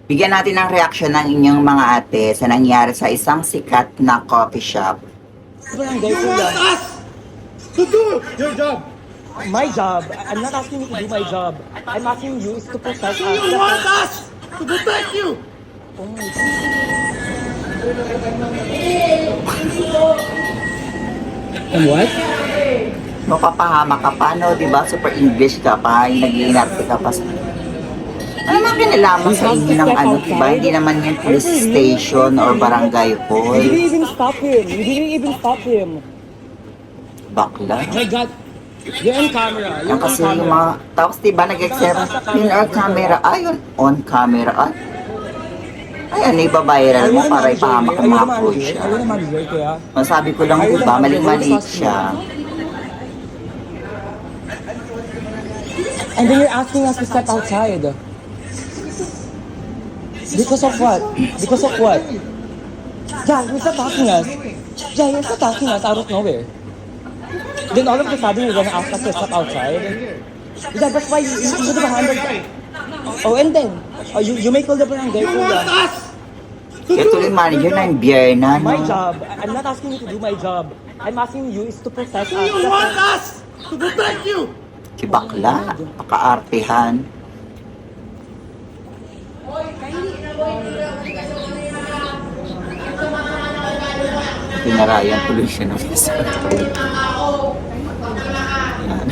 Bigyan natin ng reaksyon ng inyong mga ate sa nangyari sa isang sikat na coffee shop. Barangay You want Kuya. us to do your job. My job. I'm not asking you to do my job. I'm asking you is to protect So us. you want us to protect you. Oh my God. And what? Mapapahama ka pa, no? Diba? Super English ka pa. Nag-iinarte ka pa sa... Ano naman kinalaman sa inyo ng ano, diba? Hindi naman yan police station or barangay You hall. didn't even stop him. You didn't even stop him. Bakla. My God. You're on camera. Yan kasi yung mga... Tapos diba nag-exert in our camera. Ayun, on camera. Ayan, iba-viral mo para ipahamak ang mga coach siya. Are you the manager, Kuya? Masabi ko lang, diba? Maling-mali siya. And then you're asking us to step outside. Because of what? Because of what? Yeah, you're attacking us. Yeah, you're attacking us out of nowhere. Then all of a sudden you're gonna ask us to step outside. Yeah, that's why you should have handled that. Oh, and then you may call the barangay. You want Kuya. us to Kaya tuloy do. manager na yung Bierna, My no? job. I'm not asking you to do my job. I'm asking you is to protect So us. you want us to protect you. Kibakla, pakaartehan. Pinarayan tuloy siya ng isa. Yan.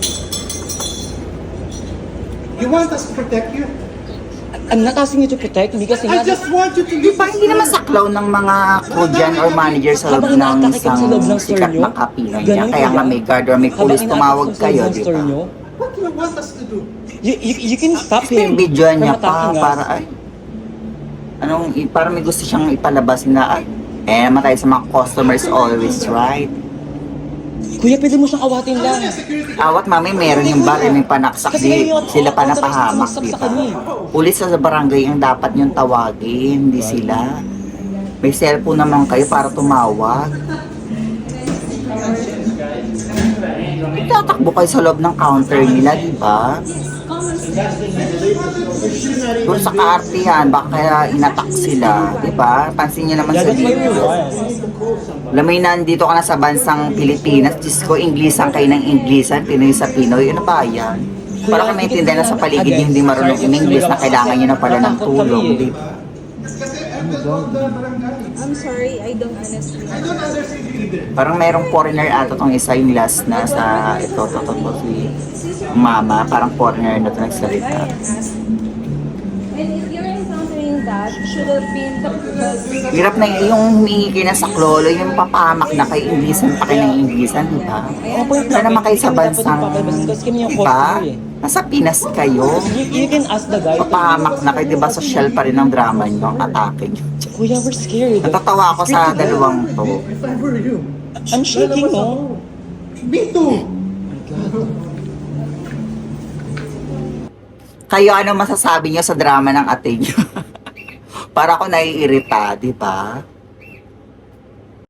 You want us to protect you. I'm not asking you to protect me kasi I just want you to listen. Diba hindi naman saklaw ng mga Korean or manager sa loob Habang ng inaatake ka sa loob ng isang store sikat nyo, na kapino niya. ganun Kaya ba nga yan? may guard or may Habang police inaatake tumawag ka sa kayo, loob ng di store ba? nyo, What do you want us to do? you can stop Tapos yung him video from niya pa, attacking us. para ay, parang may gusto siyang ipalabas na, ay, naman tayo sa mga customers always right. Kuya, pwede mo siyang awatin lang. Awat mami, meron yung bar, may panaksak, Kasi di ngayon, sila pa authorized napahamak, sumaksak di sa ba? kanya. Pulis sa barangay ang dapat yung tawagin, hindi sila. May cellphone naman kayo para tumawag. Tatakbo kayo sa loob ng counter nila, di ba? Doon sa kaartihan, baka kaya inatak sila, di ba? Pansin niyo naman Yeah, sa that's why we video. won. Alam mo yun, nandito ka na sa bansang Pilipinas, Diyos ko, Inglisan kayo ng Inglisan, Pinoy sa Pinoy, ano ba yan? Para kayo maintindihan na sa paligid nyo hindi marunong in-English na kailangan nyo na pala ng tulong, di ba? I'm sorry, I don't understand. I don't understand you either. Parang mayroong foreigner ata tong isa yung last na sa ito, si mama, parang foreigner na ito nagsalita. And if you're encountering that, should have been the Hirap na yung humingi kayo na sa klolo, yung papamak na kay Inglisan pa kayo ng Inglisan, di ba? Wala naman kayo sa bansang, di ba? Nasa Pinas kayo. You can ask the guy. Papahamak na kayo, di ba? Social pa rin ang drama nyo, ang atake nyo. Kuya, we're scared. Natatawa ako sa dalawang to. If I were you, I'm shaking, no? me too. Kayo, ano masasabi nyo sa drama ng ate nyo? Para ako naiirita, di ba?